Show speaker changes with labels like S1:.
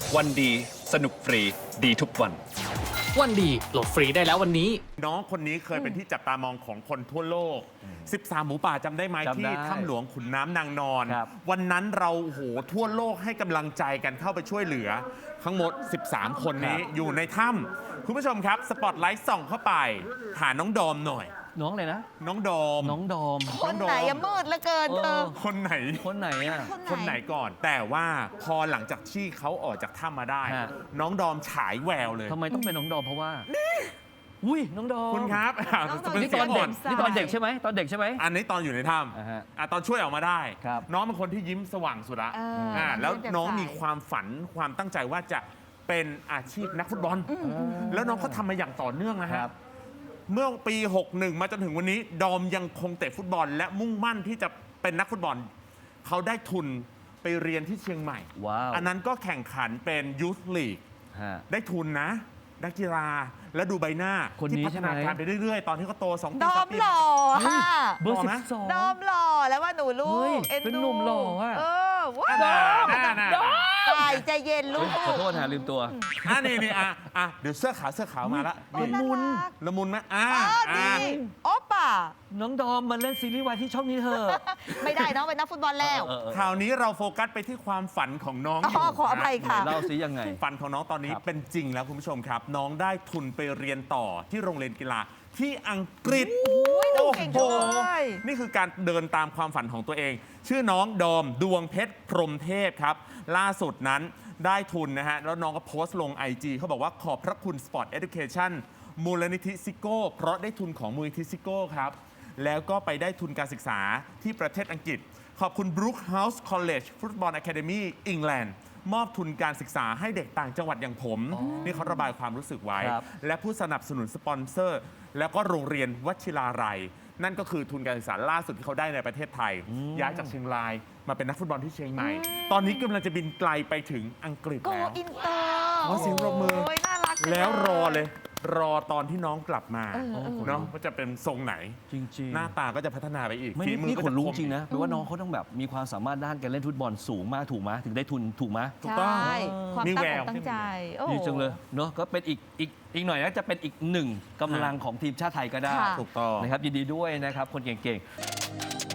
S1: วันดีสนุกฟรีดีทุกวัน
S2: วันดีโหลดฟรีได้แล้ววันนี้
S3: น้องคนนี้เคยเป็นที่จับตามองของคนทั่วโลก 13 หมูป่าจำได้ไหม
S4: จำได้
S3: ที่ถ้ำหลวงขุนน้ำนางนอน
S4: ครับ
S3: วันนั้นเราโอ้โหทั่วโลกให้กำลังใจกันเข้าไปช่วยเหลือ ทั้งหมด 13 คนนี้อยู่ในถ้ำคุณผู้ชมครับ สปอตไลท์ส่องเข้าไปหาน้องดอมหน่อย
S4: น้องเลยนะ
S3: น้องดอม
S4: น้องดอม
S5: คนไหนอะมืดเหลือเกินเธอ
S3: คนไหน
S4: คนไหนอ่ะ
S3: คนไหนก่อน แต่ว่าพอหลังจากที่เขาออกจากถ้ำมาได้
S4: ฮะ
S3: น้องดอมฉายแววเลย
S4: ทำไมต้องเป็นน้องดอมเพราะว่าอุ้ยน้องดอม
S3: คุณครับ
S5: น้องดอม
S3: จะเป็น
S4: นี่
S3: เสี
S4: ต
S3: ย
S4: อง น
S3: อ่
S4: เด็
S3: อก น
S4: นี่ตอนเด็กใช่ไหมตอนเด็กใช่ไหม
S3: อันนี้ตอนอยู่ในถ้
S4: อ่าฮะ
S3: ำตอนช่วยออกมาได้
S4: ครับ
S3: น้องเป็นคนที่ยิ้มสว่างสุดละ แล้วน้องมีความฝันความตั้งใจว่าจะเป็นอาชีพนักฟุตบอล แล้วน้องเขาทำมาอย่างต่อเนื่องนะ
S4: ค
S3: ฮะ
S4: รับ
S3: เมื่อปี 61 มาจนถึงวันนี้ ดอมยังคงเตะฟุตบอล และมุ่งมั่นที่จะเป็นนักฟุตบอล เขาได้ทุนไปเรียนที่เชียงใหม่
S4: ว้าว
S3: อันนั้นก็แข่งขันเป็นยูธลีก
S4: ฮะ
S3: ได้ทุนนะนักกีฬาและดูใบหน้า
S4: คนนี้
S3: ที่พัฒนา
S4: ใช่ไหม
S3: การไปเรื่อยๆ ตอนที่เขาโต2 ปี
S5: ดอ
S3: 3
S5: ม
S3: ปี
S5: หล่อค่ะ
S4: เบอร์
S3: หล่อไหม
S4: 12
S5: ดอมหล่อแล้วว่าหนูลู
S4: เฮ้
S5: ก
S4: ย
S5: เอ็น
S4: เป็น
S5: ดู
S4: หนุ่มหล่ออะ
S5: ว้า
S3: น่าว น่า
S5: ตายใจเย็นลูก
S4: ขอโทษฮะลืมตัว
S3: นี่เดี๋ยวเสื้อขาวมาละ
S5: โอ้ยน่ารัก
S3: ละมุนไหม
S5: อ๋อดีโอป่ะ
S4: น้องดอมมาเล่นซีรีส์วายที่ช่องนี้เถอะ
S5: ไม่ได้น้องเป็นนักฟุตบอลแล้ว
S3: คราวนี้เราโฟกัสไปที่ความฝันของน้อง
S5: อ๋อขออภัยค่ะ
S4: เล่าซิยังไง
S3: ฝันของน้องตอนนี้
S4: ครับ
S3: เป็นจริงแล้วคุณผู้ชมครับ น้องได้ทุนไปเรียนต่อที่โรงเรียนกีฬาที่อังกฤษ
S5: น้องเก่งจังเลย
S3: นี่คือการเดินตามความฝันของตัวเอง ชื่อน้องดอมดวงเพชรพรหมเทพครับ ล่าสุดนั้นได้ทุนนะฮะ แล้วน้องก็โพสต์ลง IG เขาบอกว่าขอบพระคุณ Sport Education มูลนิธิซิโก้เพราะได้ทุนของมูลนิธิซิโก้ครับ แล้วก็ไปได้ทุนการศึกษาที่ประเทศอังกฤษ ขอบคุณ Brookhouse College Football Academy England มอบทุนการศึกษาให้เด็กต่างจังหวัดอย่างผม นี่เขาระบายความรู้สึกไว้
S4: ครับ
S3: และผู้สนับสนุนสปอนเซอร์ แล้วก็โรงเรียนวชิราลัย นั่นก็คือทุนการศึกษาล่าสุดที่เขาได้ในประเทศไทย ย้ายจากเชียงรายมาเป็นนักฟุตบอลที่เชียงใหม่ ตอนนี้กำลังจะบินไกลไปถึงอังกฤษ
S5: โก
S3: แล้ว
S5: อินเตอร์
S3: ขอเสียงปรบมือ
S5: โอ้ยน่ารักจัง
S3: แล้วรอเลย รอตอนที่น้องกลับมา
S5: เออ
S3: เนาะว่าจะเป็นทรงไหน
S4: จริงๆ
S3: หน้าตาก็จะพัฒนาไปอีก
S4: ไม่
S3: ฝีมือ
S4: นี่
S3: ก็
S4: ข
S3: จะ
S4: นลุก
S3: คม
S4: จริงนะแปลว่าน้องเขาต้องแบบมีความสามารถด้านการเล่นฟุตบอลสูงมากถูกไหมถึงได้ทุนถูกไหม
S3: ถูกต้อง
S5: ใช่ความ
S3: มี
S5: ตั้
S3: แว
S5: ง
S3: ว
S5: อกตั้งใจโอ้โห
S4: ดีจังเลยเนาะก็เป็นอีกหน่อยนะจะเป็นอีกหนึ่งกำลังของทีมชาติไทยก็ได้
S5: ค่ะ
S3: ถูกต้อง
S4: นะครับยินดีด้วยนะครับคนเก่งๆ